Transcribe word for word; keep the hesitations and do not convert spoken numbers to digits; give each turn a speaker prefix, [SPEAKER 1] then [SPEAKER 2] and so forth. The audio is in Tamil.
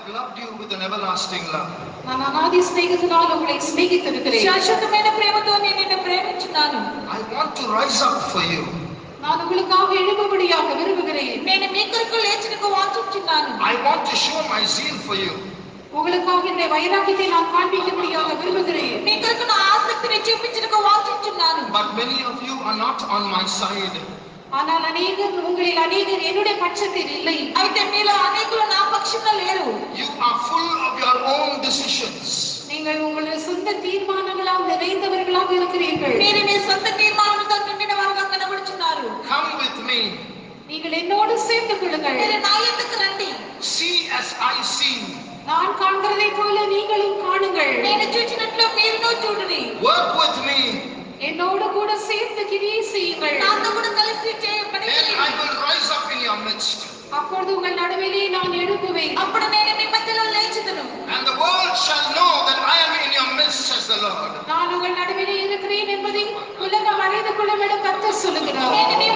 [SPEAKER 1] loved you with an everlasting love.
[SPEAKER 2] நான் அநாதி ஸ்நேகத்தினால் உங்களை ஸ்நேகித்திருக்கிறேன்.
[SPEAKER 3] శాశ్వతమైన ప్రేమతో నేను నిన్ను ప్రేమించున్నాను.
[SPEAKER 1] I want to rise up for you.
[SPEAKER 2] நான் உங்களுக்காக எழும்படியாக விரும்புகிறேன்.
[SPEAKER 3] నేను మీ కొరకు లేచుటకు వాంఛించున్నాను.
[SPEAKER 1] I want to show my zeal for you.
[SPEAKER 2] உங்களுக்காக இந்த வைராக்கியத்தை நான் காண்பிக்கும்படியாக விரும்புகிறேன்.
[SPEAKER 3] మీ కొరకు నా ఆసక్తిని చూపించుటకు వాంఛించున్నాను.
[SPEAKER 1] But many of you are not on my side.
[SPEAKER 2] ஆனால் அநேகர் உங்களில் அநேகர் என்னுடைய பட்சத்தில் இல்லை.
[SPEAKER 3] అయితే మీలో అనేకులు నా పక్షంలో లేరు.
[SPEAKER 1] You are full of your own decisions.
[SPEAKER 2] நீங்கள் உங்களுடைய சொந்த தீர்மானங்களால் நிறைந்தவர்களாக இருக்கிறீர்கள்.
[SPEAKER 3] మీరు మీ సొంత తీర్మానాలతో నిండిన వారుగా కనబడుచున్నారు.
[SPEAKER 1] Come with me.
[SPEAKER 2] நீங்கள் என்னோடு சேர்ந்து கொள்ளுங்கள்.
[SPEAKER 3] మీరు నా యొద్దకు రండి.
[SPEAKER 1] See as I see.
[SPEAKER 2] நான் காண்கிறதை போல நீங்களும் காணுங்கள்.
[SPEAKER 3] నేను చూచినట్లు మీరును చూడుడి.
[SPEAKER 1] Work with me.
[SPEAKER 2] என்னோடு கூட சேர்ந்து கிரியை செய்யுங்கள்.
[SPEAKER 3] నాతో కూడా కలిసి చేయ పని
[SPEAKER 1] Then
[SPEAKER 3] చేయండి.
[SPEAKER 1] I will rise up in your midst.
[SPEAKER 2] அப்பொழுது உங்கள் நடுவிலே நான் எழும்புவேன்.
[SPEAKER 3] అప్పుడు నేను మీ మధ్యలో లేచుదును.
[SPEAKER 1] And the world shall know that I am in your midst, says the Lord.
[SPEAKER 2] நான் உங்கள் நடுவிலே இருக்கிறேன் என்பதை உலகம் அறிந்து கொள்ளும் என கர்த்தர் சொல்லுகிறார்.
[SPEAKER 3] నేను మీ